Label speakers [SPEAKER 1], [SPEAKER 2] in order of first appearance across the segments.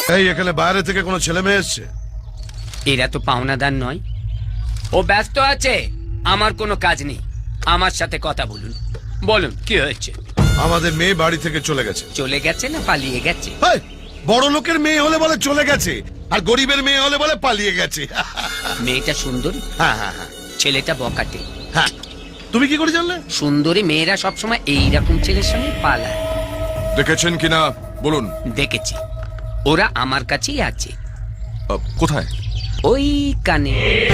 [SPEAKER 1] এই এখানে বাইরে থেকে কোনো ছেলে মেয়ে এসছে?
[SPEAKER 2] এরা তো পাওনাদার নয়। ও ব্যস্ত আছে, আমার কোনো কাজ নেই। আমার সাথে কথা বলুন। বলুন কি হয়েছে?
[SPEAKER 1] আমাদের মেয়ে বাড়ি থেকে চলে গেছে।
[SPEAKER 2] চলে গেছে না পালিয়ে গেছে?
[SPEAKER 1] এই, বড় লোকের মেয়ে হলে বলে চলে গেছে, আর গরিবের মেয়ে হলে বলে পালিয়ে গেছে।
[SPEAKER 2] মেয়েটা সুন্দরী,
[SPEAKER 1] হ্যাঁ হ্যাঁ হ্যাঁ
[SPEAKER 2] ছেলেটা বকাটে।
[SPEAKER 1] হ্যাঁ। তুমি কি করে জানলে?
[SPEAKER 2] সুন্দরী মেয়েরা সবসময় এইরকম ছেলের সঙ্গে পালায়।
[SPEAKER 3] দেখেছেন কিনা বলুন।
[SPEAKER 2] দেখেছি, ওরা আমার কাছেই আছে।
[SPEAKER 3] কোথায়?
[SPEAKER 2] ওই কানে।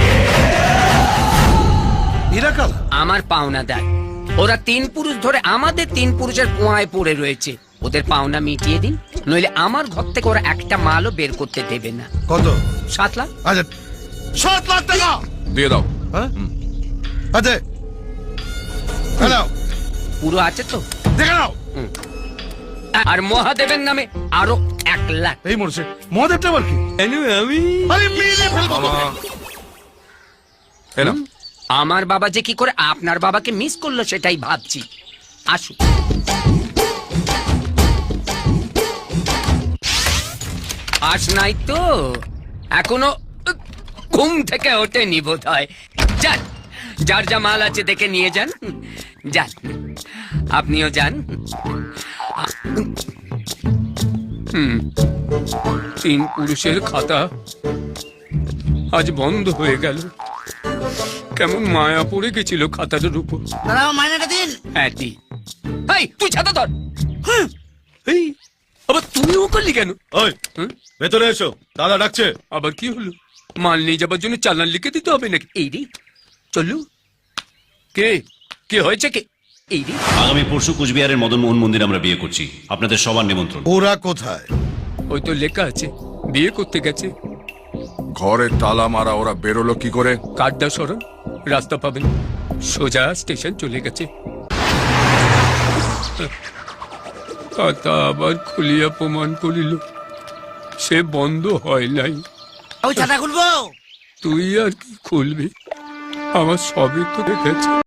[SPEAKER 1] নিরাকাল
[SPEAKER 2] আমার পাওনাদার। ওরা 3 পুরুষ ধরে আমাদের 3 পুরুষের কুয়ায় পড়ে রয়েছে। ওদের পাওনা মিটিয়ে দিন, নইলে আমার ঘর থেকে ওরা একটা মালও বের করতে দেবে না।
[SPEAKER 1] কত?
[SPEAKER 2] 7 লাখ।
[SPEAKER 1] আচ্ছা 7 লাখ টাকা
[SPEAKER 3] দিয়ে দাও।
[SPEAKER 1] হ্যাঁ আচ্ছা হ্যালো,
[SPEAKER 2] পুরো আছে তো?
[SPEAKER 1] দেখে নাও।
[SPEAKER 2] আর মহাদেবের নামে আরো 1 লাখ।
[SPEAKER 1] এই মরছে মহাদেবটা আবার কি?
[SPEAKER 2] আমি
[SPEAKER 1] আরে মেরে ফেলবো।
[SPEAKER 3] এলাম।
[SPEAKER 2] আমার বাবা যে কি করে আপনার বাবাকে মিস করলো সেটাই ভাবছি। আসুন। আস নাই তো এখনো ঘুম থেকে ওঠেনি বোধ হয়। যান, যার যা মাল আছে দেখে নিয়ে যান। যান, আপনিও যান। 3 পুরুষের খাতা আজ বন্ধ হয়ে গেল। কেমন মায়া পড়ে গেছিল খাতাটার উপর।
[SPEAKER 4] দাঁড়াও, মাইনেটা দিন।
[SPEAKER 2] হ্যাঁ দি। এই তুই ছাতা ধর। এই আবার তুমিও করলি কেন?
[SPEAKER 1] ওই ভেতরে এসো, দাদা ডাকছে।
[SPEAKER 2] আবার কি হলো? মাল নিয়ে যাবার জন্য চালান লিখে দিতে হবে নাকি? এই রে চলু। কে কে হয়েছে কে? এই রে
[SPEAKER 5] আগামী পরশু কোচবিহারের মদন মোহন মন্দির আমরা বিয়ে করছি, আপনাদের সবার নিমন্ত্রণ।
[SPEAKER 1] ওরা কোথায়?
[SPEAKER 2] ওই তো লেখা আছে বিয়ে করতে গেছে।
[SPEAKER 3] ঘরে তালা মারা, ওরা বেরোলো কি করে?
[SPEAKER 2] কাড্ডা সরণ, রাস্তা পাবেন, সোজা স্টেশন চলে গেছে। খাতা আবার খুলিয়া প্রমাণ করিল সে বন্ধ হয় নাই।
[SPEAKER 4] ওই ছাতা খুলবো।
[SPEAKER 2] তুই আর কি খুলবি? আমার সবই তো দেখেছে।